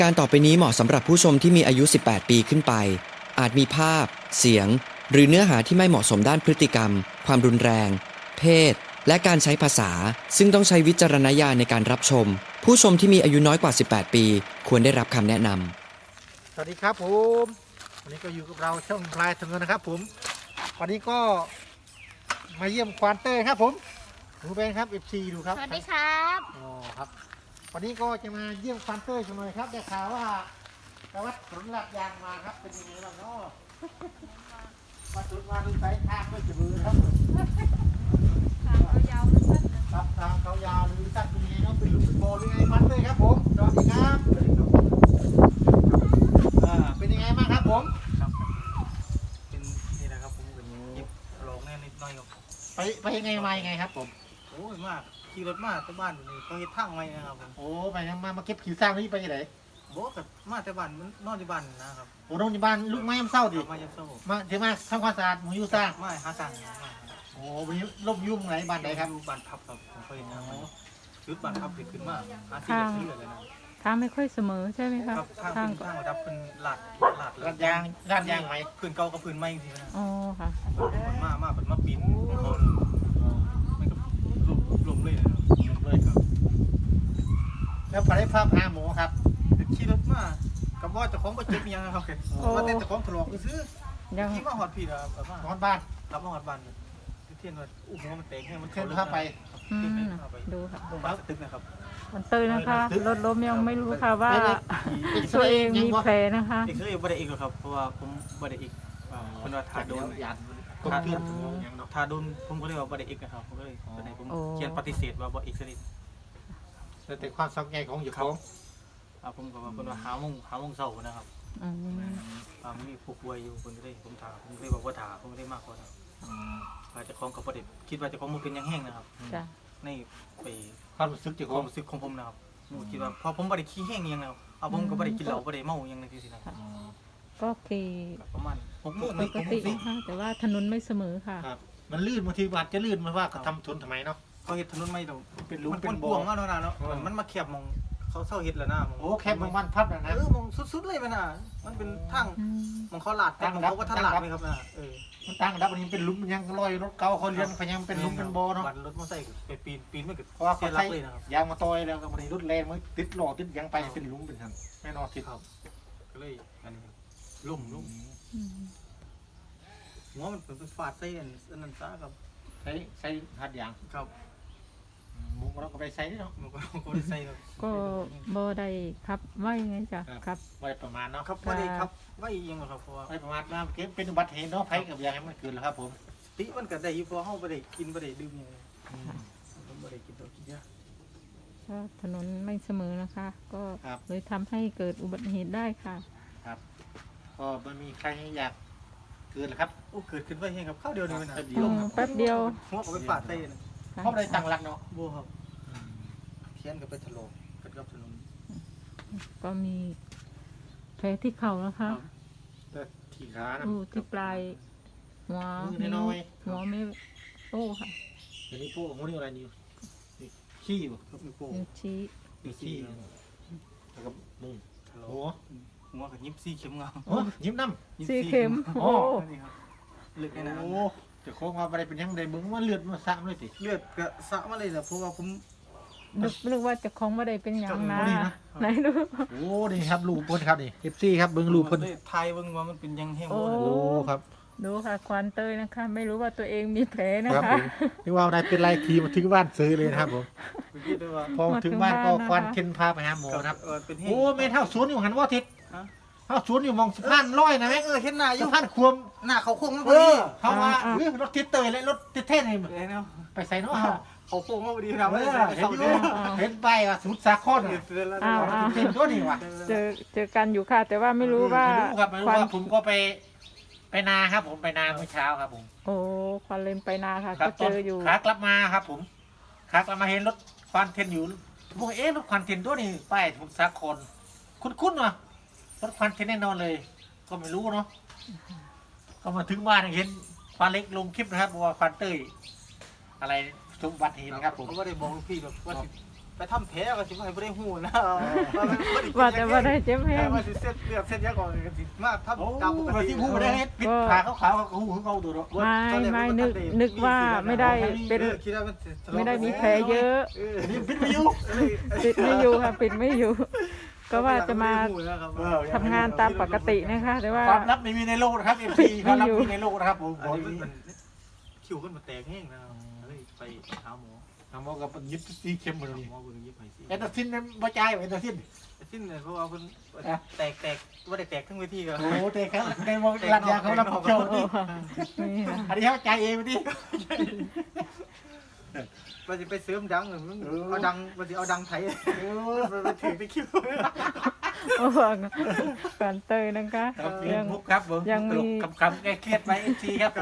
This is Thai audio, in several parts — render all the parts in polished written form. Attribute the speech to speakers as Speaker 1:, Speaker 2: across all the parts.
Speaker 1: การต่อไปนี้เหมาะสำหรับผู้ชมที่มีอายุ 18 ปีขึ้นไป อาจมีภาพ เสียง หรือเนื้อหาที่ไม่เหมาะสมด้านพฤติกรรม ความรุนแรง เพศ และการใช้ภาษา ซึ่งต้องใช้วิจารณญาณในการรับชม ผู้ชมที่มีอายุน้อยกว่า 18 ปี ควรได้รับคำแนะนำ
Speaker 2: สวัสดีครับผมวันนี้ก็อยู่กับเราช่องพลายถึงเงินนะครับผมวันนี้ก็มาเยี่ยมควานเต้ยครับผมดูเป็นครับ FC ดูครับ
Speaker 3: สวัสดีครับ
Speaker 2: อ๋อครับวันนี้ก็จะมาเยี่ยมควานเต้ยกันหน่อยครับได้ข่าวว่าไปวัดสนหลักยางมาครับเป็นยังไงบ้างเนาะวัดสนมาดูสายทางด้วยจะมือครับ
Speaker 3: ทางเขายาวลึกๆนะครับ
Speaker 2: ทางเขายาวหรือสั้นเป็นยังไงเนาะเป็นลูกเป็นโบหรือไงควานเต้ยครับผมสวัสดีครับเป็นยังไงบ้างครับผม
Speaker 4: ครับเป็นนี่นะครับผมเป็นเย็บลองแน่นิดหน่อยครับ
Speaker 2: ไปยังไงมายังไงครับผม
Speaker 4: โอ้ยมากขี่รถมาแต่บ้านอยู่นี่เขาเฮ็ดทางไว้นะครับผม
Speaker 2: โอ้ไปยังมาเก็บขี้สร้างนี่ไปยังไง
Speaker 4: บอกกับมาแต่บ้านมันนอนที่บ้านนะครับ
Speaker 2: โอ้โรงพยาบาลลูกไม้ยำเศร้าดิ
Speaker 4: มายังโซ่
Speaker 2: มาเดี๋ยวมาทำความสะอาดหมูยูสร้าง
Speaker 4: มาหาสั่งมา
Speaker 2: โอ้วันนี้ลบยุ่งไหนบ้านไหนครับ
Speaker 4: อยู่บ้านพับครับผมเขาเฮ็ดทางไว้ชุดบ้านพับขึ้นมาหาที่แบบนี้เลยนะ
Speaker 5: ทางไม่ค่อยเสมอใช่ไหมคะ
Speaker 4: ครับทาง
Speaker 5: ทาง
Speaker 4: เป็นทางระดับเป็นลาด
Speaker 2: รัดยางไหม
Speaker 4: พื้นเก่ากับพื้นใหม่จริงๆนะ
Speaker 5: อ๋อค่ะ
Speaker 4: มาเป็นมาปีนเขาไม่กับลมเลยนะครับ
Speaker 2: เลยครับแล้วพอได้ภาพหาหมูครับ
Speaker 4: ขี่รถมากับว่าเจ้าของก็เจ็บยังนะครับมาเต้นเจ้าของถลอกซื้อ
Speaker 5: ยัง
Speaker 4: ขี่มาหอดพี่นะครับแบบว่าน
Speaker 2: อนบ้าน
Speaker 4: รับมาหอดบ้านเลยเทียนว่าอู้หัวมันแตกแห้งมัน
Speaker 2: เช่นภาพไป
Speaker 5: อืม
Speaker 4: เข้าไป
Speaker 5: ดูค่ะ
Speaker 4: โรงพยาบาลสตึกนะครับ
Speaker 5: มันเตยนะคะรถล้มยังไม่รู้ค่ะว่า
Speaker 2: เอ็กซ
Speaker 5: ตัว
Speaker 2: เร
Speaker 5: เอ
Speaker 2: ย์
Speaker 5: ง
Speaker 2: ยัง
Speaker 5: มี
Speaker 2: วะ
Speaker 5: แผลนะคะ
Speaker 4: เอกซเรย์บ่ได้อีกหรอกครับเพราะว่าผมบ่ได้อีกคนว่าทาโดน
Speaker 2: ยันกบเพื่อนยังเนาะ
Speaker 4: ทาโดนผมก็เลยว่าบ่ได้อีกนะครับผมก็เลยตอนนี้ผม
Speaker 5: โอ้
Speaker 4: เขียนปฏิเสธว่าบ่เอกซเรย์
Speaker 2: แต่ความสังเกตของอยู่ของ
Speaker 4: ผมก็ว่าเพิ่นว่าหาโมงเช้านะครับ
Speaker 5: อืม
Speaker 4: มีผู้ป่วยอยู่เพิ่นก็เลยผมถามผมเลยบอกว่าถาผมเลยมากกว่านะว่าเจะของกับบ่ได้คิดว่าเจะของมันเป็นยังแห้งนะครับ
Speaker 5: จ้ะ
Speaker 4: ในไป
Speaker 2: ความรู้สึกอยู่
Speaker 4: ค
Speaker 2: ขอ
Speaker 4: วาง มรู้สึกของผมนะครับผมคิดว่าพอผมบ่ได้ขี้แห้งอิหยังแล้วผมก็บ่ได้กินเหล้าบ่ได้เมาอิหยังในที่สินะ
Speaker 5: ก็คือ
Speaker 4: ประมาณ6โมง
Speaker 5: ป
Speaker 4: นี่
Speaker 5: กตินะคะแต่ว่าถนนไม่เสมอค่ะ
Speaker 2: ครับมันลื่นบางทีอาจจะลื่นมาว่าเขาทำทนทำไมเนาะ
Speaker 4: เขาเฮ็ดถนนใหม่ดอก
Speaker 2: เป็นหลุม
Speaker 4: มัน
Speaker 2: เป็นบ่
Speaker 4: กว้างมากแล้วนะเนาะมันมาแคบมองเขาเซาเฮ็ดแล้วนะมอง
Speaker 2: โอ้แค่บางวันพับนะนะ
Speaker 4: มองสุดๆเลยมันน่ะมันเป็นทาง
Speaker 5: อืม
Speaker 4: มองเขาลาดแต่มองเขาก็ทันลาดไหมครับนะ
Speaker 2: มันตั้งดับอันนี้เป็นหลุมยังลอยรถเก่าเขาเรียนเขายังเป็นหลุมเป็นบ่อเนาะ
Speaker 4: บันรถมอเตอร์ไซค์ไปปีนไม่เกิด
Speaker 2: เพราะว่า
Speaker 4: เสี
Speaker 2: เขา
Speaker 4: ยหลั
Speaker 2: ใช้
Speaker 4: กเลยนะครับ
Speaker 2: ยางมาต่อยแล้วก็มันรถแรงมันติดหล่อติดยังไปเป็นหลุมเป็นทันแน่นอนติด
Speaker 4: ครับก็เลยอันนี้ล่ม
Speaker 5: อืม
Speaker 4: หัวมันเป็นฟาดใส่อันนั้นซะครับ
Speaker 2: ใช้หัดยาง
Speaker 4: ครับ
Speaker 2: หมูเราก็ไปใส่เนาะ
Speaker 4: มันก็ได้ใส่ครับ
Speaker 5: ก็บ่ได้ครับว่ายังไงจ้ะครับ
Speaker 2: ไว้ประมาณเนาะ
Speaker 4: ครับบ่ได้ครับไว้ยังครับเพราะว่า
Speaker 2: ไว้ประมาณมาเก็บเป็นอุบัติเหตุเนาะไฟกับยางให้มันเกิดแล้วครับผม
Speaker 4: ติมันก็ได้อยู่เพราะเฮาบ่ได้กินบ่ได้ดื่มหยังผมบ่ได้กินเหล้ากินยา
Speaker 5: ก็ถนนไม่เสมอนะคะ ก็
Speaker 2: ครับ
Speaker 5: เลยทำให้เกิดอุบัติเหตุได้ค่ะ
Speaker 2: ก็ไม่มีใครอยากเกิดหรอกครับ
Speaker 4: โอ้เกิดขึ้นไว้เองครับข้าวเดียวนี่มันน่ะ
Speaker 5: แป๊บเดียว
Speaker 4: หัวก็ไปฟาดใส่นะ
Speaker 2: เพราะอะไรตั้งหลักเนาะ
Speaker 4: บ่ครับเทียนก็ไปถลอกกันกับถนน
Speaker 5: ก็มีแผลที่เข่านะคะ
Speaker 2: แต่ที่ขานะ
Speaker 5: ดูที่ปลายหัว
Speaker 2: มือ
Speaker 5: นิ้ว
Speaker 2: น้อย
Speaker 5: หัวไม่โต้ค่ะ
Speaker 2: เดี๋ยวนี้พวกของนี่อะไรนี่ขี้อยู่
Speaker 4: ครับนิ้วโป้ง
Speaker 5: นิ้วชี้
Speaker 2: มีขี้แล้วก็มุง
Speaker 4: ถลอ
Speaker 2: โอ้
Speaker 4: กหัวกับยิบซี่เข็มงาม
Speaker 2: โหยิ้มน้
Speaker 5: ซี่เข็ม
Speaker 2: โอ้
Speaker 5: โอ้
Speaker 4: นี่ครับเลือด
Speaker 2: ำ
Speaker 4: ในน้
Speaker 2: โอ้จะโค้งมาอะไรเป็นยังไงเบิ้งว่าเลือดมาสามเลยสิ
Speaker 4: ำเลือดก็สะมาเลยแหละเพราะว่าผม
Speaker 5: นึกว่าจะคล้องไม่ได้เป็นอย่างนะ
Speaker 2: จำไม่ได้นะ
Speaker 5: ไหนดู
Speaker 2: โอ้นี่ครับลูกเพิ่นครับนี่เอฟซีครับเบิ้งลูกเพิ่น
Speaker 4: เลยทายเบิ่งว่ามันเป็นยังแห้ง
Speaker 5: โอ้
Speaker 4: บ่
Speaker 2: โอ้ครับ
Speaker 5: ดูค่ะควานเตยนะคะ ไม่รู้ว่าตัวเองมีแผลนะ
Speaker 2: ครับ
Speaker 5: คะ
Speaker 2: ผมนี่ว่าอะไรเป็นไรทีมาถึงบ้านซื้อเลยนะครับผม
Speaker 4: เป็นคิดได้ว่า
Speaker 2: พอถึงบ้านก็ควันเข็นพาไปหาหมอนะครับ
Speaker 4: เป็นแห้ง
Speaker 2: โอ้แม่เท่าสวนอยู่หันว่าทิศ
Speaker 4: ฮะ
Speaker 2: เท่าสวนอยู่มองสะพานลอยนะแม่
Speaker 4: เห็นหน้าอยู่
Speaker 2: สะพานควม
Speaker 4: หน้าเขาโค้งมันพ
Speaker 2: เอ
Speaker 4: อดี
Speaker 2: อเขาว่ารถทิศเตยและรถทิศเท่นี่
Speaker 4: เห็นเนาะ
Speaker 2: ไปใส่เนาะ
Speaker 4: เขาโค้งมาพอดีนะ
Speaker 2: เออเห็นอยู่เห็นไปว่าสุดสาคร
Speaker 4: เห็
Speaker 2: อ่ะ
Speaker 4: นแล้ว
Speaker 5: อ้าว
Speaker 2: เห็นตัวนี่ว่ะ
Speaker 5: เจอกันอยู่ค่ะ แต่ว่าไม่รู้ว่า
Speaker 2: ไม่รู้ครับไม่รู้
Speaker 5: ควัน
Speaker 2: ว่าผมก็ไปนาครับผมไปนาเมื่อเช้าครับผม
Speaker 5: โอ้ควันเลนไปนาค่ะ
Speaker 2: ครั
Speaker 5: ก็
Speaker 2: บ
Speaker 5: เจออยู่
Speaker 2: ขากลับมาครับผมขากลับมาเห็นรถควันเทนอยู่ผมบอกเอ๊ะรถควันเทนตัวนี้ป้ายสมุทรสาครคุ้นๆว่ะรถควันเทนแน่นอนเลย ก็ไม่รู้เนาะก็มาถึงบ้านเห็นควันเล็กลงคลิปนะครับบอกว่าควันเต้ยอะไรสมบัติเหตุนะครับผม
Speaker 4: เขาไม่ได้บอกลูกพี่แบบว่าไปไปทำแผลก็สิบ่ให้บ่ได้ฮู้นะ
Speaker 5: ว่าแต่ว่าได้เจ็บแห้ง
Speaker 4: ว่าสิเส้นเลือดเส้นยาก่อนก็สิมาท
Speaker 2: โอ้
Speaker 4: ำตามปก
Speaker 2: มา
Speaker 4: ติ
Speaker 2: ที่หูได้เฮ็ดปิดขาขาวๆก็หูเขาตัวเนาะ
Speaker 5: ไม่นึกว่าไม่ได้เป็น
Speaker 4: คิดว่ามัน
Speaker 5: ไม่ได้มีแผลเยอะ
Speaker 2: นี่ปิดไม่อยู่
Speaker 5: ปิดไม่อยู่ค่ะปิดไม่อยู่ ก็ว่าจะมาทำงานตามปกตินะคะ แต่ว่า
Speaker 2: ความลับไม่มีในโลกนะครับ MC ความลับไม่มีในโลกนะครับผม
Speaker 4: อันนี้มันคิวขึ้นมาแตกแห้งนะครับเลยไปหาหมอ
Speaker 2: ทำเอากับยิบสีเข้มมาเลย
Speaker 4: หมอเบิ่งยิบให้สิ
Speaker 2: แอนตาซินเนี่ยบ่จ่ายแอนตาซิน
Speaker 4: สิ้นเลยเพราะว่าเพิ่นแตกว่าได้แตกทั้งเวทีก็
Speaker 2: โอ้เตะครับในวงรัดยาเขารับผิดชอบ
Speaker 5: โอ้
Speaker 2: ดิ
Speaker 5: นี่ค่ะ
Speaker 2: อันนี้เขาจ่ายเองดิ
Speaker 4: ว่าสิไปเสริมดังมันเอาดังว่าสิเอาดังไทยไปถือไปคิว
Speaker 5: โอ้โหการเตยนะคะ
Speaker 2: ครับ
Speaker 5: ยัง
Speaker 2: มุกครับผม
Speaker 5: ยังมี
Speaker 2: คำแก้เครียดไปMC ครับผม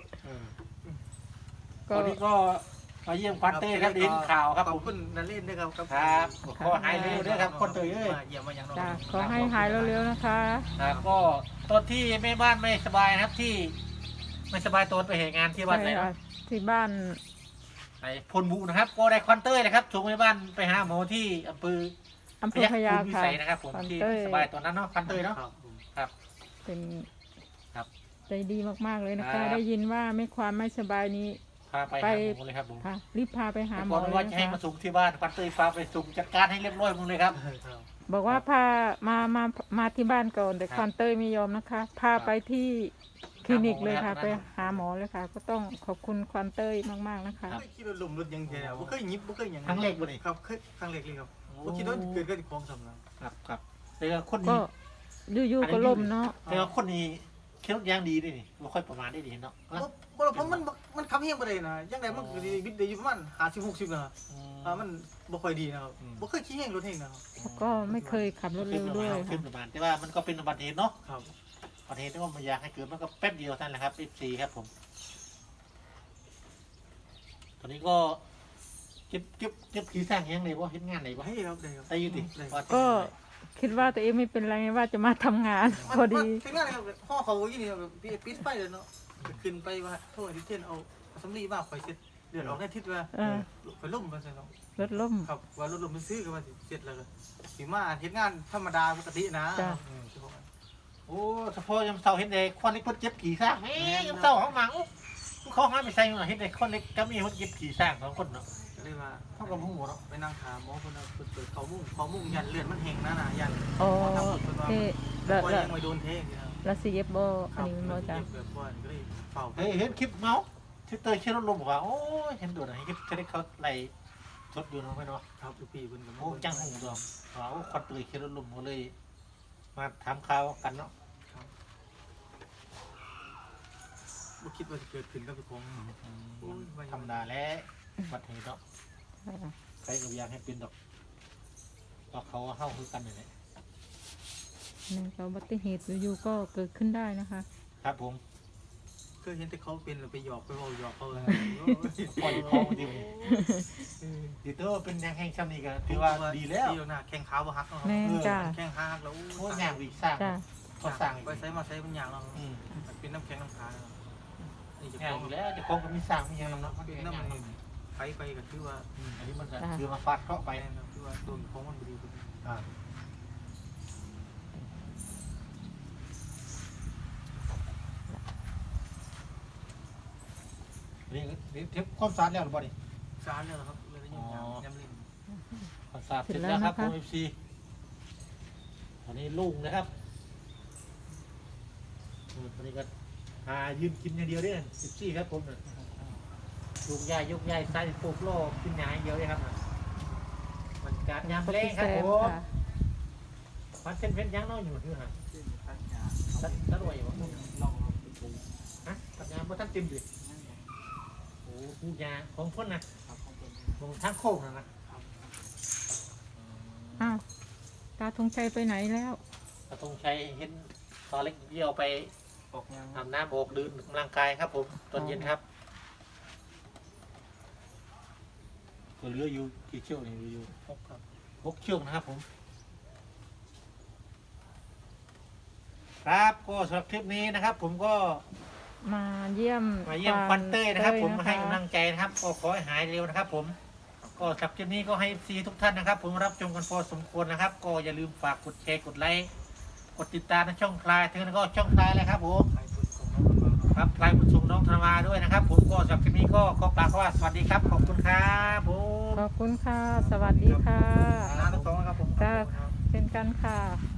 Speaker 5: ก็
Speaker 2: วันนี้ก็มาเยี่ยมควันเต้ครับดินข่าวครับ
Speaker 4: ข
Speaker 2: ผ
Speaker 4: อบ
Speaker 2: ม
Speaker 4: คุณนันเล่นด้วยครับ
Speaker 2: ครับขอหายเร็วด้วยครับคนเตยเอ้ย
Speaker 4: เยี่ยมมาอย่างน้อง
Speaker 5: จ้ะขอให้หายเร็วๆนะคะ
Speaker 2: ครับก็ตอนที่แม่บ้านไม่สบายนะครับที่ไม่สบายตัวไปเหตุงานที่บ้านไหน
Speaker 5: ใช่
Speaker 2: เนาะ
Speaker 5: ค่ะที่บ้าน
Speaker 2: ไอ้พลบุนะครับก็ได้ควันเต้ยนะครับส่งแม่บ้านไปหาหมอที่อำเภอ
Speaker 5: อำเภอพญา
Speaker 2: วิ
Speaker 5: ค่ะ
Speaker 2: สัยนะครับผม
Speaker 5: ควัน
Speaker 2: ที่
Speaker 5: เต้ย
Speaker 2: สบายตอนนั้นเนาะควันเต้ยเนาะ
Speaker 4: ครับผม
Speaker 2: ครับ
Speaker 5: เป็น
Speaker 2: ครับ
Speaker 5: ใจดีมากๆเลยนะ
Speaker 2: ครั
Speaker 5: คะ
Speaker 2: บ
Speaker 5: ได้ยินว่าไม่ความไม่สบายนี้
Speaker 2: พาไป
Speaker 5: ไป
Speaker 2: หาหมอเลยครับผม
Speaker 5: ค่ะ รีบพาไปหาหม
Speaker 2: ก่
Speaker 5: อ
Speaker 2: อน
Speaker 5: เลย
Speaker 2: ว่าจะให้
Speaker 5: นะ
Speaker 2: มา
Speaker 5: คะ
Speaker 2: ส่งที่บ้านควันเต้ยพาไปส่งจัดการให้เรียบร้อยหมึงเลยครับ
Speaker 4: ครับ
Speaker 5: บอกว่าพามาที่บ้านก่อนแต่ควันเต้ยไม่ยอมนะคะ พาไปที่คลินิกเลยค่ะ ไปหาหมอเลยค่ะ ก็ต้องขอบคุณควันเต้ยมากๆนะคะ
Speaker 4: ไม่คิดว่าลมรถยังไงบ่เคยยิบบ่เคยอย่าง
Speaker 2: ครั้งแรกบ่นี่
Speaker 4: ครับเคยครั้งแรกเลยครับบ่คิดว่าเกิดขึ้นของสำนัก
Speaker 2: ครับแต่ว่าคน
Speaker 5: ก็
Speaker 2: นี้
Speaker 5: อยู่ๆก็ล่มเนาะ
Speaker 2: แต่ว่าคนนี้เคี้ยวยางดีด้วยนี่ไม่ค่อยประมาณได้ดีเนาะ
Speaker 4: บ่เพราะมันคำเฮียงบ่ได้นะยังไงมันก็บิดได้อยู่ประมาณ50 60นะมันบ่ค่อยดีนะครับบ่เคยขี้เฮียงรถเฮงนะครับ
Speaker 5: แล้วก็ไม่เคยขับรถ
Speaker 2: ขึ้
Speaker 5: เร็
Speaker 2: น
Speaker 5: ว
Speaker 2: ประ
Speaker 5: ด้วย
Speaker 2: มาณขึ้น
Speaker 5: ค่ะ
Speaker 2: ประมาณแต่ว่ามันก็เป็นอุบัติเหตุเนาะ
Speaker 4: ครับ
Speaker 2: อุบัติเหตุที่ว่ามันอยากให้เกิดมันก็แป๊บเดียวเท่านั้นแหละครับ FC ครับผม ตอนนี้ก็เก็บขี้สร้างยังไงว่าเฮ็ดงานไหนวะ
Speaker 4: ให้ครับได้ครับ
Speaker 2: ได้อยุติ
Speaker 5: ก็คิดว่าตัวเองไม่เป็นไรว่าจะมาทำงาน พอดี
Speaker 4: เป็นงานครับห่อเขาอยู่นี่แบบปิดไฟเลยเนาะขึ้นไปว่าโทษที่เช่นเอาสำลีมาข่อยเสร็จเดือดออกในทิศว่า
Speaker 5: เออ
Speaker 4: ข่อยล่มว่าซั่นเนาะ
Speaker 5: รถล่ม
Speaker 4: ครับว่ารถลมมันซื้อก็ว่าสิเสร็จแล้วก็สิมาเฮ็ดงานธรรมดาปกตินะ
Speaker 5: จ้ะ
Speaker 2: โอ้เฉพาะยำเสาเห็นเด็กคนเล็กคนเจ็บขี่สร้างแม่ยำเสาของหมังเขาห้ามไปใส่หน่อยเห็นเด็กคนเล็กก็มีคนเจ็บขี่สร้างสองคนเนาะ
Speaker 4: ก็เลยว่า
Speaker 2: เท่ากับผู้หมดเนาะ
Speaker 4: ไปนั่งถามหมอคนนั้นเปิดเขามุ่งยันเลือดมันแห้งนะยัน
Speaker 5: อ๋อเอ๊ะแล้ว
Speaker 4: ว่า
Speaker 5: แล้ว
Speaker 4: ยังไม่โดนเทนี่นะ
Speaker 5: แล้วซีเอฟโบอันนี้มันโบจ้ะ
Speaker 4: แบบว่าก็เลยเป่า
Speaker 2: เฮ้ยเห็นคลิปเมาส์ที่เตยเชื่อรถลมบอกว่าโอ้ยเห็นโดดอะไรที่จะได้เขาไล่ชดอยู่เนาะไม่เนาะ
Speaker 4: ครับทุกปีเพิ่น
Speaker 2: โอ้จังหูดอกว่าโอ้ควันเตยเชื่อรถลมเขาเลย มาถามข่าวกันเนาะ
Speaker 4: บ่คิดว่าจะเกิดขึ้นกับผม
Speaker 2: ธรรมดาแล้ววัดเหตุเนาะใครก็อยากให้เป็นดอกก็เขาเข้าคือกันนี่แหละ
Speaker 5: ในอุบัติเหตุอยู่ๆก็เกิดขึ้นได้นะคะ
Speaker 2: ครับผม
Speaker 4: เคยเห็นแต่เขาเป็นแล้วไปหยอกไปเว้าหยอกเขาเลย
Speaker 2: ปล่อยของดีดีเตอร์เป็นยังแห่งชำนี้กันถือว่าดีแล้ว
Speaker 4: ดีแล้วนะแข้งขาบ่หักเนาะ
Speaker 5: แม่นจ้ะ
Speaker 4: แข้งขาหักแล้ว
Speaker 2: โอ้ยงานวีสร้าง
Speaker 5: จ้ะ
Speaker 2: เขาสร้าง
Speaker 4: ไปใช้มาใช้มันอย่างเนาะ
Speaker 2: อืม
Speaker 4: มันเป็นน้ำแข็งน้ำขานี่จะ
Speaker 2: งา
Speaker 4: ข
Speaker 2: น
Speaker 4: อง
Speaker 2: อยู่แล้วจะคงก็มีสร้างมีอย่างเนาะมัน
Speaker 4: เป็
Speaker 2: เป็น น
Speaker 4: น้ำ
Speaker 2: งาน
Speaker 4: มันไปก็คือว่า
Speaker 2: อันนี้มันก็คือมาฟาดเคาะไป
Speaker 4: ไปนะคือว่าตัวของมันบ่ดี
Speaker 2: อ่านี่เทปความสะอาดแล้วหรือเปล่านี่
Speaker 4: สารแล้วครับเลยยำลิ้น
Speaker 2: ความสะอาดเสร็จแล้วครับผมFC ตอนนี้ลุงนะครับตอนนี้ก็หายืนกินอย่างเดียวด้วย14ครับผมเนี่ยยกย้ายใส่ปลูกโลกกินหยาอย่างเดียวเลยครับมันการยาม
Speaker 5: ก็
Speaker 2: เล่
Speaker 5: พี่
Speaker 2: ค
Speaker 5: แซ
Speaker 2: รับ
Speaker 5: ม
Speaker 2: ผม
Speaker 5: ค่ะ
Speaker 2: มันเป็นเพชรยังน้อยอยู่ที่ฮะสะดวยอยู่ฮะปัญญาบ่ทันเต็มดิโอ้ผู้ยาของพ่นนะของทางโค้งนะ
Speaker 5: อ้าวตาธงชัยไปไหนแล้ว
Speaker 2: กระทงชัยเห็นตอนเล็กเดียวไป
Speaker 4: ออกยัง
Speaker 2: อาบน้ำโบกดื่มกำลังกายครับผมตอนเย็นครับตัวเรืออยู่กี่เชือกนี่อยู่6ครับ6เชือกนะครับผมครับก็สำหรับคลิปนี้นะครับ ผมก็
Speaker 5: มาเยี่ยม
Speaker 2: ควันเต้ยนะครับ ผมมาให้
Speaker 5: เต้ย
Speaker 2: กำลังใจนะครับ ก็ขอให้หายเร็วนะครับ ผมก็ก็สำหรับคลิปนี้ก็ให้ FC ทุกท่านนะครับ ผมรับชมกันพอสมควรนะครับ ก็อย่าลืมฝากกดแชร์กดไลค์กดติดตามในช่องคลายถึงแล้วก็ช่องคลายเลยครับผม
Speaker 4: ใครพูดของน้องมันมา
Speaker 2: ครับคลายบุญส่งน้องธนมาด้วยนะครับ ผมก็สำหรับคลิปนี้ก็ขอกล่าวคำว่าสวัสดีครับขอบคุณครับผม
Speaker 5: ขอบคุณค่ะ สวัสดีค่ะ
Speaker 2: ลาทั้งสองนะครับผม
Speaker 5: จ้าเช่นกันค่ะ